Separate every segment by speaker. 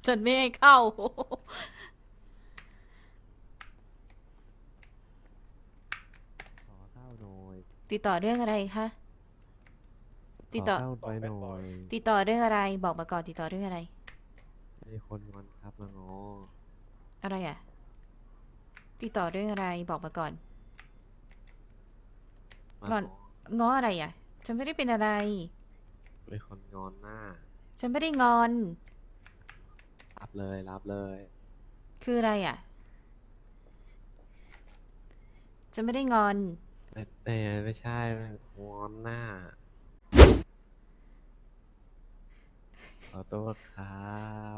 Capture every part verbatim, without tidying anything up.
Speaker 1: ฉันไม่ให้เข้า
Speaker 2: ขอข้าวหน่อย
Speaker 1: ติดต่อเรื่องอะไรคะ
Speaker 2: ข
Speaker 1: ติดต่อ
Speaker 2: อข้าวไปหน่อย
Speaker 1: ติดต่อเรื่องอะไรบอกมาก่อนติดต่อเรื่องอะไร
Speaker 2: มีคนงอนครับมาง้อ
Speaker 1: อะไรอ่ะติดต่อเรื่องอะไรบอกมาก่อน
Speaker 2: มา
Speaker 1: งอน
Speaker 2: ง้อ
Speaker 1: ง้ออะไรอ่ะฉันไม่ได้เป็นอะไร
Speaker 2: มีคนงอนหน้า
Speaker 1: ฉันไม่ได้งอน
Speaker 2: รับเลยรับเลย
Speaker 1: คืออะไรอ่ะฉันไม่ได้งอน
Speaker 2: ไม่ไม่ไม่ใช่ไม่งอนหน้าขอโทษครับ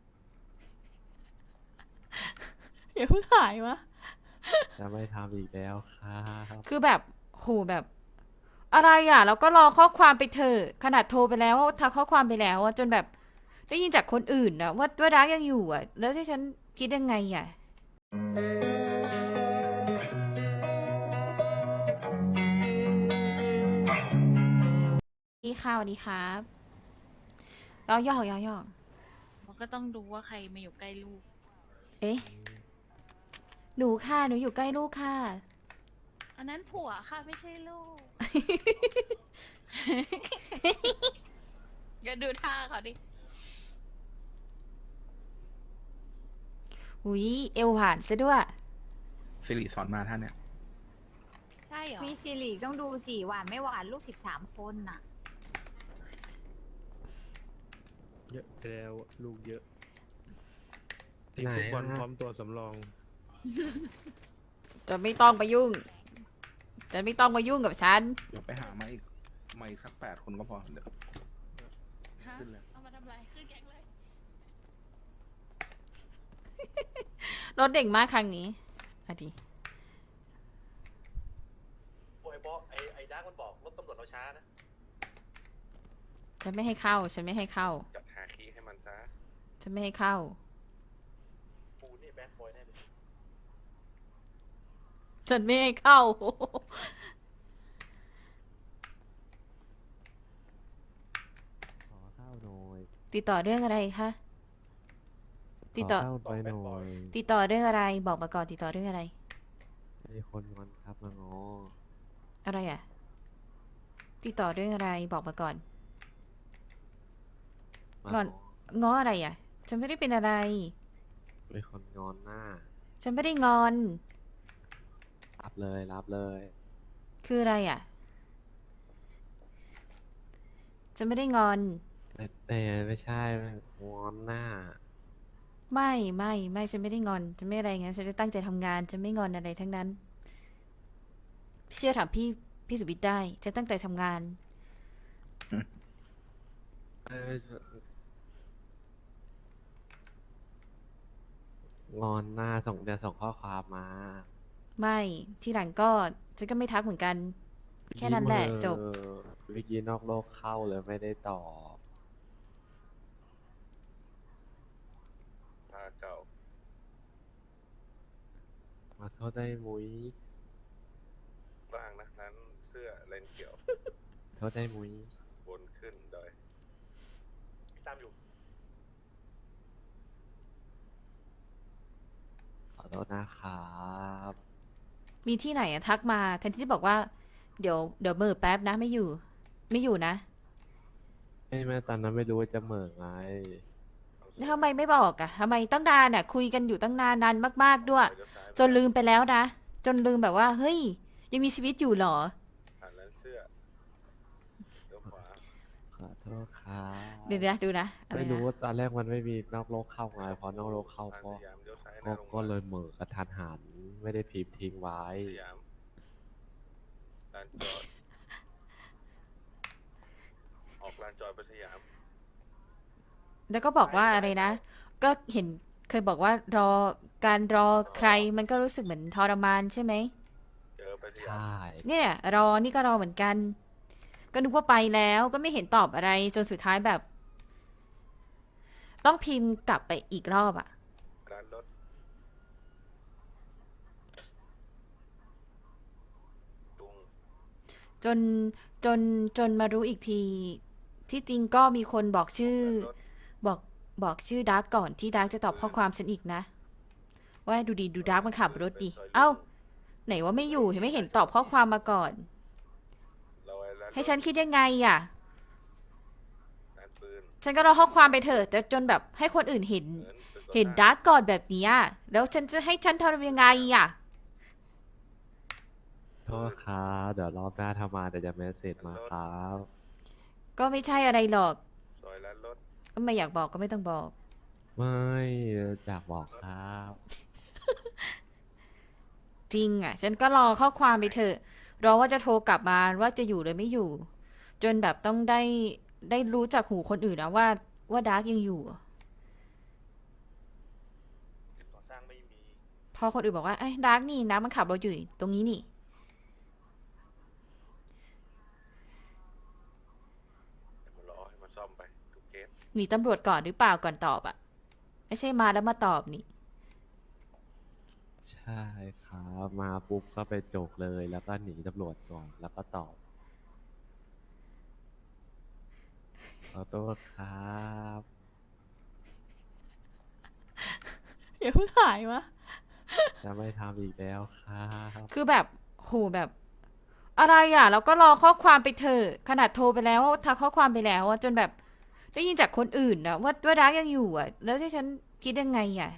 Speaker 1: อย่าเพิ่งหายวะ
Speaker 2: จะไม่ทำอีกแล้วครับ
Speaker 1: คือแบบโหแบบอะไรอ่ะเราก็รอข้อความไปเถอะขนาดโทรไปแล้วทักข้อความไปแล้วอะจนแบบได้ยินจากคนอื่นนะว่าว่ารักยังอยู่อ่ะแล้วที่ฉันคิดยังไงอ่ะดีค่ะสวัสดีครับยอกยอกยอกยอก
Speaker 3: มันก็ต้องดูว่าใครมาอยู่ใกล้ลูก
Speaker 1: เอ๊ะหนูค่ะหนูอยู่ใกล้ลูกค่ะ
Speaker 3: อันนั้นผัวค่ะไม่ใช่ลูก ก็ดูท่าเขาดิ
Speaker 1: หุยเอวผ่านซะด้วย
Speaker 4: สิริสอนมาท่านเนี่ย
Speaker 3: ใช่เหรอ
Speaker 5: มีสิริต้องดูสิหวานไม่หวานลูกสิบสามคนน่ะ
Speaker 6: เยอะไปแล้วลูกเยอะทีม
Speaker 2: ไหน
Speaker 6: ฟุตบอล
Speaker 2: อะ
Speaker 6: พร้อมตัวสำรอง
Speaker 1: จะไม่ต้องไปยุ่ง จะไม่ต้องมายุ่งกับฉัน
Speaker 4: เดี๋ยวไปหามาอีกมาอีกสักแปดคนก็พอเดี๋ยว
Speaker 3: ฮะ
Speaker 4: ขึ้นเลย
Speaker 3: เอามาทำอะไรขึ้นแก๊งเลย
Speaker 1: รถเด็กมากครั้งนี้อะดี
Speaker 7: โอ้ยบอสไอ้ไอ้ดักมันบอกรถตำรวจเราช้านะ
Speaker 1: ฉันไม่ให้เข้า ฉันไม่ให้เข้า
Speaker 7: จัดหาคีย์ให้มันซะ
Speaker 1: ฉันไม่ให้เข้า
Speaker 7: ปูนี่แบดบอยแน่เลย
Speaker 1: ฉันไม่ให้เข้า
Speaker 2: ขอข้าวหน่อย
Speaker 1: ติดต่อเรื่องอะไรคะ ติดต่อ
Speaker 2: ขอข้าวไปหน่อย
Speaker 1: ติดต่อเรื่องอะไรบอกมาก่อนติดต่อเรื่องอะไร
Speaker 2: มีคนงอนครับมาง้อ
Speaker 1: อะไรอ่ะติดต่อเรื่องอะไรบอกมาก่อน
Speaker 2: มาง
Speaker 1: อน ง้ออะไรอ่ะ ฉันไม่ได้เป็นอะไร
Speaker 2: มีคนงอนหน้า
Speaker 1: ฉันไม่ได้งอน
Speaker 2: รับเลยรับเลย
Speaker 1: คืออะไรอ่ะ ฉันไม่ได้งอน
Speaker 2: ไม่ไม่ไม่ใช่ไม่งอนหน้า
Speaker 1: ไม่ไม่ไม่ฉันไม่ได้งอนฉันไม่อะไรงั้นฉันจะตั้งใจทำงานฉันไม่งอนอะไรทั้งนั้นเชื่อถามพี่พี่สุบิทย์ได้ฉันตั้งใจทำงาน
Speaker 2: เอองอนหน้าส่งเดี๋ยวส่งข้อความมา
Speaker 1: ไม่ที่หลังก็ฉันก็ไม่ทักเหมือนกัน แค่นั้นแหละจบ
Speaker 2: เออเมื่อกี้นอกโลกเข้าเลยไม่ได้ตอบ
Speaker 7: พาเก่า
Speaker 2: มาโทษได้มุ้ย
Speaker 7: บ้างนะนั้นเสื้อเลนเขียว
Speaker 2: โทษได้มุ้ย
Speaker 7: บนขึ้นดอยตามอยู่
Speaker 2: ขอโทษนะครับ
Speaker 1: มีที่ไหนอะทักมาแทนที่จะบอกว่า เดี๋ยวเดี๋ยวเมื่อแป๊บนะไม่อยู่ ไม่อยู่นะ
Speaker 2: ไม่แม่ตอนนั้นไม่รู้ว่าจะเหม่อไง
Speaker 1: แล้วทำไมไม่บอกอะทำไมตั้งนานอะคุยกันอยู่ตั้งนานนานมาก ๆด้วย
Speaker 7: เดี๋ยวซ้าย
Speaker 1: จนลืมไปแล้วนะ จนลืมแบบว่า เฮ้ย ยังมีชีวิตอยู่เหรอ
Speaker 7: ผ่านนั้นเสื้อเดี๋ยวขวา
Speaker 2: ขอโทษครับ
Speaker 1: เดี๋ยวนะดูนะอะไร
Speaker 2: ไม่รู้
Speaker 1: นะ
Speaker 2: ว่าตอนแรกมันไม่มีนอกโลกเข้าไงพอนอกโลกเข้า
Speaker 7: ผ่าน
Speaker 2: ก็
Speaker 7: สยามเดี๋ยวซ้ายห
Speaker 2: ก็
Speaker 7: น้าโรงพยา
Speaker 2: ก็
Speaker 7: บาล
Speaker 2: เลยเหม่อกระทันหัน ไม่ได้พิมพ์ทิ้งไว้
Speaker 7: สยามลานจอด ออกลานจอดไปสยาม
Speaker 1: แล้วก็บอกว่าอะไรนะ ก็เห็นเคยบอกว่ารอการรอใครมันก็รู้สึกเหมือนทรมานใช่ไหม
Speaker 7: เจอไปส
Speaker 2: ใช
Speaker 7: ยาม่
Speaker 1: เนี่ยรอนี่ก็รอเหมือนกัน ก็นึกว่าไปแล้วก็ไม่เห็นตอบอะไรจนสุดท้ายแบบ ต้องพิมพ์กลับไปอีกรอบอะ
Speaker 7: ร้านรถตุง
Speaker 1: จนจนจนมารู้อีกที ที่จริงก็มีคนบอกชื่อ
Speaker 7: ร้านรถ
Speaker 1: บอกบอกชื่อดาร์กก่อนที่ดาร์กจะตอบข้อความฉันอีกนะ ว่าดูดีดูดาร์กมันขับรถดิเอ้าไหนว่าไม่อยู่เห็นไม่เห็นตอบข้อความมาก่อน
Speaker 7: เราไอ้แล้ว
Speaker 1: ให้ฉันคิดยังไงอ่ะ
Speaker 7: งานปืน
Speaker 1: ฉันก็รอข้อความไปเถอะแต่จนแบบให้คนอื่นเห็น
Speaker 7: เงินเป็นต้
Speaker 1: เห็นดาร์กก่อนแบบเนี้ยแล้วฉันจะให้ฉันทำยังไงอ่ะ
Speaker 2: โทษครับเดี๋ยวรอบหน้าทำมาเดี๋ยวจะเมสเซจมาครับ
Speaker 1: ก็ไม่ใช่อะไรหรอก
Speaker 7: ซอยร้านรถ
Speaker 1: ก็ไม่อยากบอกก็ไม่ต้องบอก
Speaker 2: ไม่อยากบอกครับ
Speaker 1: จริงอ่ะ ฉันก็รอข้อความไปเถอะ รอว่าจะโทรกลับมาว่าจะอยู่หรือไม่อยู่ จนแบบต้องได้ได้รู้จากหูคนอื่นนะว่าว่าดาร์กยังอยู่
Speaker 7: ก่อสร้างไม่มี
Speaker 1: พอคนอื่นบอกว่าไอ้ยดาร์กนี่ดาร์กมันขับรถอยู่ตรงนี้นี่
Speaker 7: ให้มันรอให้มันซ่อมไปทุกเคส
Speaker 1: มีตำรวจก่อนหรือเปล่าก่อนตอบอ่ะ ไม่ใช่มาแล้วมาตอบนี่
Speaker 2: ใช่ครับมาปุ๊บก็ไปจกเลยแล้วก็หนีตำรวจก่อนแล้วก็ตอบขอโทษครับ
Speaker 1: อย่าเพิ่งหายวะ
Speaker 2: จะไม่ทำอีกแล้วครับ
Speaker 1: คือแบบโหแบบ อะไรอ่ะเราก็รอข้อความไปเถอะขนาดโทรไปแล้วทักข้อความไปแล้วอะจนแบบได้ยินจากคนอื่นนะว่าว่าดาร์กยังอยู่อ่ะ แล้วที่ฉันคิดยังไงอ่ะ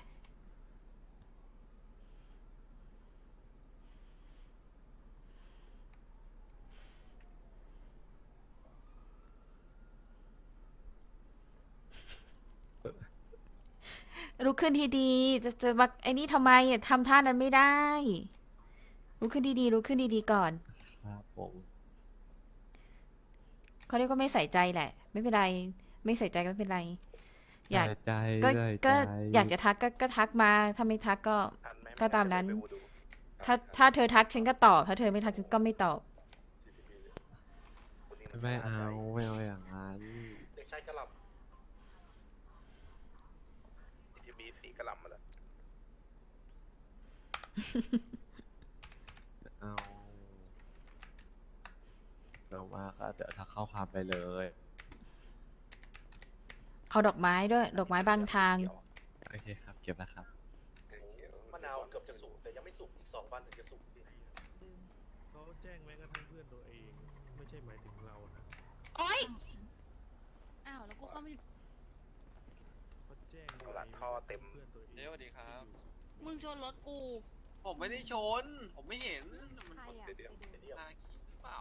Speaker 1: ลุกขึ้นทีดีจะจะมาไอ้นี่ทำไมอ่ะทำท่านั้นไม่ได้ลุกขึ้นดีๆลุกขึ้นดีๆก่อน
Speaker 2: ครับผม
Speaker 1: เขาเรียกว่าไม่ใส่ใจแหละ ไม่เป็นไร ไม่ใส่ใจก็ไม่เป็นไร อยาก
Speaker 2: ใส่ใจ
Speaker 1: ก็
Speaker 2: ใส่ใจ
Speaker 1: ก็อยากจะทักก็ก็ทักมาถ้าไม่ทักก็
Speaker 7: ทันไหม
Speaker 1: ก็ตามนั้น
Speaker 7: ไปดู
Speaker 1: ถ้าถ้าเธอทักฉันก็ตอบ ถ้าเธอไม่ทักฉันก็ไม่ตอบ
Speaker 7: คนนี้น
Speaker 2: ไม่เอาไม่เอาอย่างนั้น
Speaker 7: เด็กชายกระหล่ำที่มีสีกระหล่ำมาแล้ว
Speaker 2: เอาเดี๋ยวมาก็เดี๋ยวถ้าเข้าความไปเลย
Speaker 1: เอาดอกไม้ด้วย ดอกไม้บางทาง
Speaker 2: โอเคครับเก็บแล้วครับ
Speaker 7: มะนาวเกือบจะสุกแต่ยังไม่สุกอีกสองวันถึงจะสุก
Speaker 6: เขาแจ้งแม้กระทั่งเพื่อนตัวเอง ไม่ใช่หมายถึงเรานะ
Speaker 3: โอ๊ย อ้าว แล้วกูเข้ามา
Speaker 6: เขาแจ้ง
Speaker 7: หลังท่อเต็ม
Speaker 6: เพื่อนตัวเอง
Speaker 8: เดี๋ยวสวัสดีครับ
Speaker 3: มึงชนรถกู
Speaker 8: ผมไม่ได้ชน ผมไม่เห็น มัน
Speaker 5: ใครอ่ะ
Speaker 7: เดี๋ยวเดี๋ยวเดี๋ยว
Speaker 8: พาขี่หรือเปล่า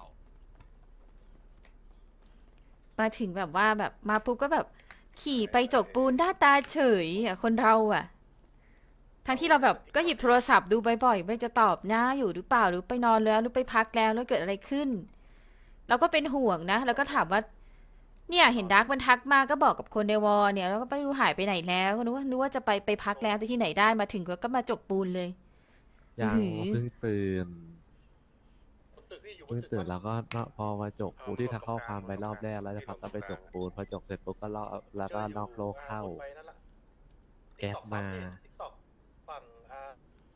Speaker 1: มาถึงแบบว่าแบบมาปุ๊บก็แบบขี่ไปจกปูนหน้าตาเฉยอ่ะคนเราอ่ะ ทั้งที่เราแบบก็หยิบโทรศัพท์ดูบ่อยๆไม่จะตอบนะอยู่หรือเปล่าหรือไปนอนแล้วหรือไปพักแล้วแล้วเกิดอะไรขึ้น เราก็เป็นห่วงนะ แล้วก็ถามว่า เนี่ยเห็นดาร์กมันทักมาก็บอกกับคนในวอลเนี่ยแล้วก็ไม่รู้หายไปไหนแล้วก็นึกว่านึกว่าจะไปไปพักแล้วแต่ที่ไหนได้มาถึงก็มาจกปูนเลย
Speaker 2: ยัง
Speaker 1: อื้อหือ
Speaker 2: เพิ่งตื่น
Speaker 7: ตึกที่อยู่บน
Speaker 2: เพิ่ง
Speaker 7: ตึก
Speaker 2: ตื่นแล้วก็พอมาจกปูนที่ถ้าเข้าความไปรอบแรกแล้วจะพักก็ไปจกปูนพอจกเสร็จปุ๊บก็ลอกแล้วก็นอกโลกเข้า
Speaker 7: ไปนั่นละ
Speaker 2: แก๊ปมา
Speaker 7: TikTok ฝั่งอ่า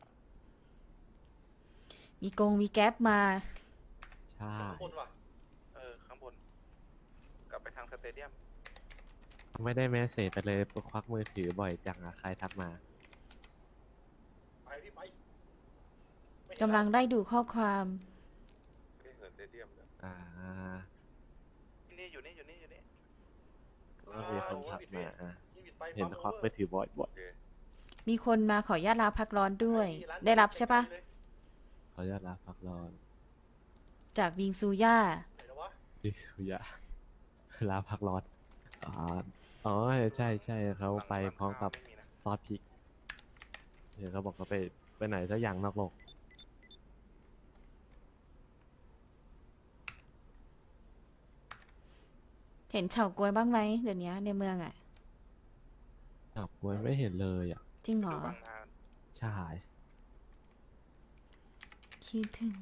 Speaker 1: มีกงมีแก๊ปมา
Speaker 2: ใช่
Speaker 7: ข้างบนว่ะ เออ ข้างบน กลับไปทางสเตเดียม
Speaker 2: ไม่ได้เมสเซจไปเลยควักมือถือบ่อยจังอะใครทักมา
Speaker 7: ไปพี่ไปไม่เห็น
Speaker 1: กำลังได้ดูข้อความ
Speaker 7: ไม่เห็นสเตเดียมเลย
Speaker 2: อ่า
Speaker 7: นี่อยู่นี่อยู่นี่อยู่นี่
Speaker 2: ก็มีคนทักมาอ่ะ
Speaker 7: นี่บิดไป
Speaker 2: เห็นควักมือถือบ่อยบ่อย
Speaker 7: โอเค
Speaker 1: มีคนมาขออนุญาตลาพักร้อนด้วย ได้รับใช่ปะ
Speaker 2: เขาจะรับพักร้อน
Speaker 1: จากวิงซูย่า
Speaker 7: ไหนแล้ววะ
Speaker 2: ดิสุยะลาพักร้อนอ๋ออ๋อใช่ใช่เขาไปพร้อมกับซอสพริกเดี๋ยวเขาบอกเขาไปไปไหนสักอย่างนอกโลก
Speaker 1: เห็นเฉาก๊วยบ้างไหมเดี๋ยวนี้ในเมืองอ่ะ
Speaker 2: จับกล้วยไม่เห็นเลยอ่ะ
Speaker 1: จริงเหรอ
Speaker 7: ดูบางนา
Speaker 2: ใช่
Speaker 1: คิดถึง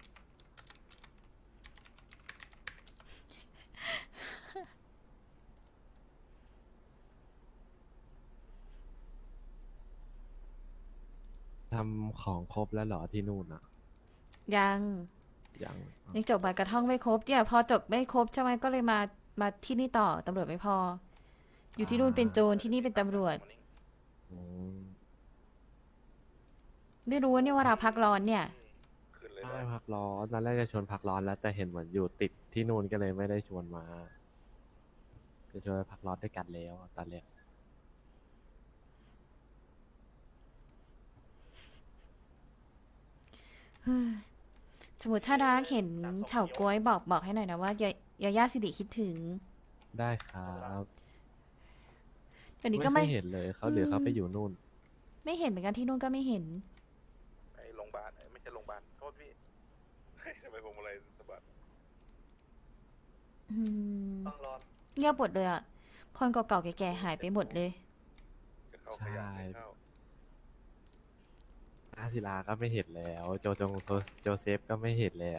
Speaker 2: ทำของครบแล้วเหรอที่นู่นอ่ะ
Speaker 1: ยัง
Speaker 2: ยัง
Speaker 1: ยังจบใบกระท่องไม่ครบเนี่ยพอจบไม่ครบใช่ไหมก็เลยมามาที่นี่ต่อตำรวจไม่พออยู่ที่นู่นเป็นโจรที่นี่เป็นตำรวจ
Speaker 2: อืม
Speaker 1: ไม่รู้ว่าเนี่ยว่าเราพักร้อนเนี่ย
Speaker 7: ขึ้นเลย
Speaker 2: ใช่พักร้อนตอนแรกจะชวนพักร้อนแล้วแต่เห็นเหมือนอยู่ติดที่นู่นก็เลยไม่ได้ชวนมาจะชวนไปพักร้อนด้วยกันแล้วตอนแรก
Speaker 1: สมมติถ้ารักเห็นเฉาก๊วยบอกบอกให้หน่อยนะว่ายายาย่าสิริคิดถึง
Speaker 2: ได้ครับ
Speaker 1: เดี๋ยวนี้
Speaker 2: ไม่
Speaker 1: ก็
Speaker 2: เค
Speaker 1: ไม่
Speaker 2: ยเห็นเลยเขาเดี๋ยวเขาไปอยู่นู่น
Speaker 1: ไม่เห็นเหมือนกันที่นู่นก็ไม่เห็น
Speaker 7: ไอ้โรงพยาบาลไอ้ไม่ใช่โรงพยาบาลโทษพี่ ทำไมผมอะไรสะบัด
Speaker 1: อืม
Speaker 8: ต้องรอ
Speaker 1: เงียบหมดเลยอ่ะ คนเก่าๆแก่ๆหายไปหมดเลย
Speaker 7: จะเข้าขยะไม่เข้า
Speaker 2: อาศิลาก็ไม่เห็นแล้ว โจจงโซโจเซฟก็ไม่เห็นแล้ว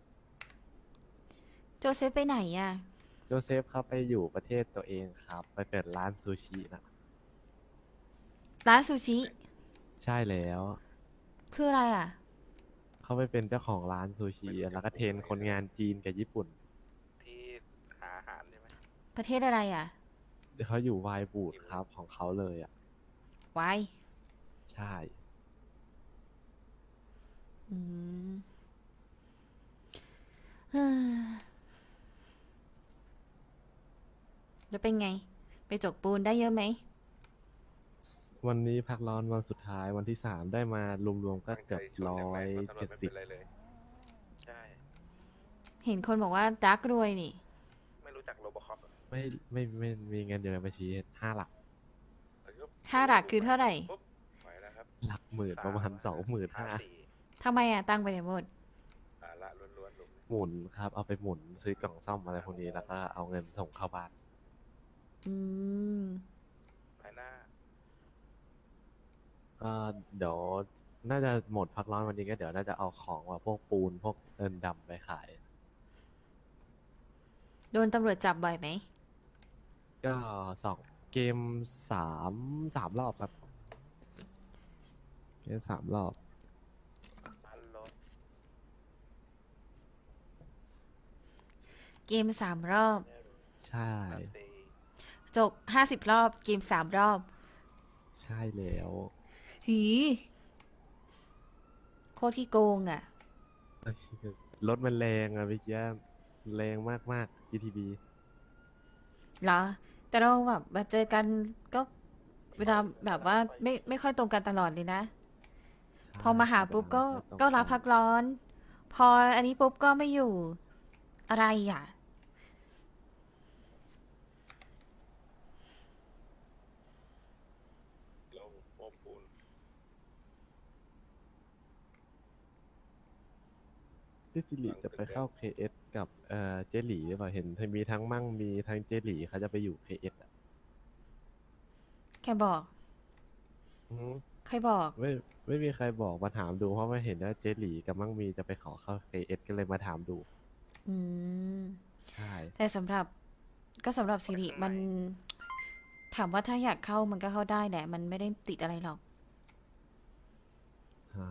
Speaker 1: โจเซฟไปไหนอ่ะ
Speaker 2: โจเซฟเขาไปอยู่ประเทศตัวเองครับ ไปเปิดร้านซูชินะ
Speaker 1: ร้านซูชิ
Speaker 2: ใช่แล้ว
Speaker 1: คืออะไรอ่ะ
Speaker 2: เขาไปเป็นเจ้าของร้านซูชิแล้วก็เทรนคนงานจีนกับญี่ปุ่น
Speaker 7: ที่หาอาหารใช่ไหม
Speaker 1: ประเทศอะไรอ่ะ
Speaker 2: เขาอยู่ไวน์บูดครับของเขาเลยอ่ะ
Speaker 1: ไว้
Speaker 2: ใช่
Speaker 1: อืมเฮ้อจะเป็นไง ไปจกปูนได้เยอะไหม
Speaker 2: วันนี้พักร้อนวันสุดท้ายวันที่สามได้มารวมๆก็เกือบ
Speaker 7: ตั้งใจชน
Speaker 2: ร้
Speaker 7: อ
Speaker 2: อย่าง
Speaker 7: แร
Speaker 2: ย
Speaker 7: งว่าถน
Speaker 2: เจ็
Speaker 7: น
Speaker 2: ด
Speaker 7: ไม่
Speaker 2: สิ
Speaker 7: เป็
Speaker 2: บ
Speaker 7: นไรเลย ใช่
Speaker 1: เห็นคนบอกว่าดักรวยนี่
Speaker 7: ไม่รู้จักโรบอคอป
Speaker 2: ไม่ไม่ไม่มีเงินอยู่ในบัญชีห้าหลัก
Speaker 1: ห้าหลักคือเท่าไหร่
Speaker 7: ปุ๊บไหวแล้วครับ
Speaker 2: หลักหมื่นประมาณสองหมื่นห้า
Speaker 7: สี่
Speaker 1: ทำไมอ่ะ ตั้งไปไหนหมด
Speaker 7: สาระล้วนๆลุง
Speaker 2: หมุนครับ เอาไปหมุนซื้อกล่องซ่อมอะไรพวกนี้แล้วก็เอาเงินส่งเข้าบ้าน
Speaker 1: อืม
Speaker 7: ภายหน้า
Speaker 2: ก็เดี๋ยวน่าจะหมดพักร้อนวันนี้ก็เดี๋ยวน่าจะเอาของว่าพวกปูนพวกเอินดำไปขาย
Speaker 1: โดนตำรวจจับบ่อยไหม
Speaker 2: ก็สองเกมสามสามรอบครับ เกมสามรอบ
Speaker 7: พันรถ
Speaker 1: เกมสามรอบ
Speaker 2: ใช่
Speaker 7: พันตี
Speaker 1: จบห้าสิบรอบ เกมสามรอบ
Speaker 2: ใช่แล้ว
Speaker 1: หีโคตรที่โกงอ่ะ
Speaker 2: รถมันแรงอะพี่เกี้ยแรงมากๆ จี ที บี
Speaker 1: เหรอ แต่เราแบบมาเจอกันก็เวลาแบบว่าไม่ไม่ค่อยตรงกันตลอดเลยนะ พอมาหาปุ๊บก็ก็รับพักร้อน พออันนี้ปุ๊บก็ไม่อยู่ อะไรอ่ะ
Speaker 7: ลงโป๊ปูน
Speaker 2: พี่สิริจะไปเข้า เค เอส กับเอ่อเจหลีหรือเปล่าเห็นมีทั้งมั่งมีทั้งเจหลีเขาจะไปอยู่ เค เอส อ่ะ
Speaker 1: แค่บอก
Speaker 2: อืม
Speaker 1: ใครบอก
Speaker 2: ไม่ไม่มีใครบอกมาถามดูเพราะว่าเห็นว่าเจหลีกับมั่งมีจะไปขอเข้า เค เอส ก็เลยมาถามดู
Speaker 1: อืม
Speaker 2: ใช่
Speaker 1: แต่สำหรับก็สำหรับสิริมัน ถามว่าถ้าอยากเข้ามันก็เข้าได้แหละ มันไม่ได้ติดอะไรหรอก
Speaker 2: อ่า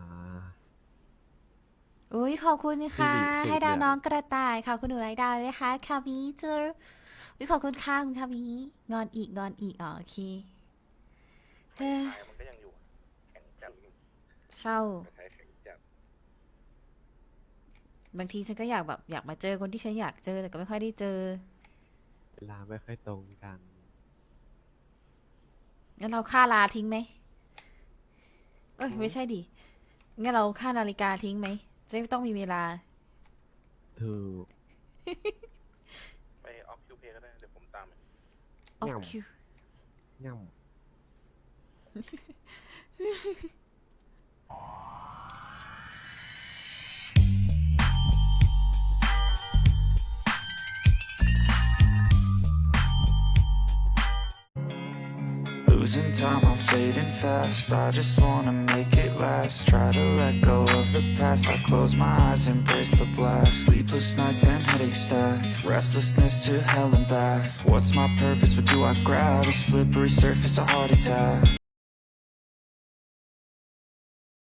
Speaker 1: อุ้ยขอบคุณค่ะ
Speaker 2: สิริสุด
Speaker 1: ให้ดาว
Speaker 2: เลยอะ
Speaker 1: น้องกระต่ายค่ะคุณหนูไรดาวเลยค่ะคามิเจออุ้ยขอบคุณค่ะคุณคามิงอนอีกงอนอีกอ๋อโอเคเจอ
Speaker 7: ไทยมันก็ยังอยู่อะแข็งจัด
Speaker 1: เศร้า
Speaker 7: ไทยแข็งจัด
Speaker 1: บางทีฉันก็อยากแบบอยากมาเจอคนที่ฉันอยากเจอแต่ก็ไม่ค่อยได้เจอ
Speaker 2: เวลาไม่ค่อยตรงกัน
Speaker 1: งั้นเราค่าลาทิ้งไหมเอ้ยไม่ใช่ดิงั้นเราค่านาฬิกาทิ้งไหมจะไม่ต้องมีเวลา
Speaker 2: ถูก
Speaker 7: ไปออฟคิวเพก็ได้ เดี๋ยวผมตามไป
Speaker 1: ออ
Speaker 2: เงี่ย
Speaker 1: ฟ
Speaker 2: ม
Speaker 1: คิว
Speaker 2: ง่
Speaker 9: Losing time, I'm fading fast. I just wanna make it last. Try to let go of the past. I close my eyes, embrace the blast. Sleepless nights and headaches stack. Restlessness to hell and back. What's my purpose? What do I grab? A slippery surface, a heart attack.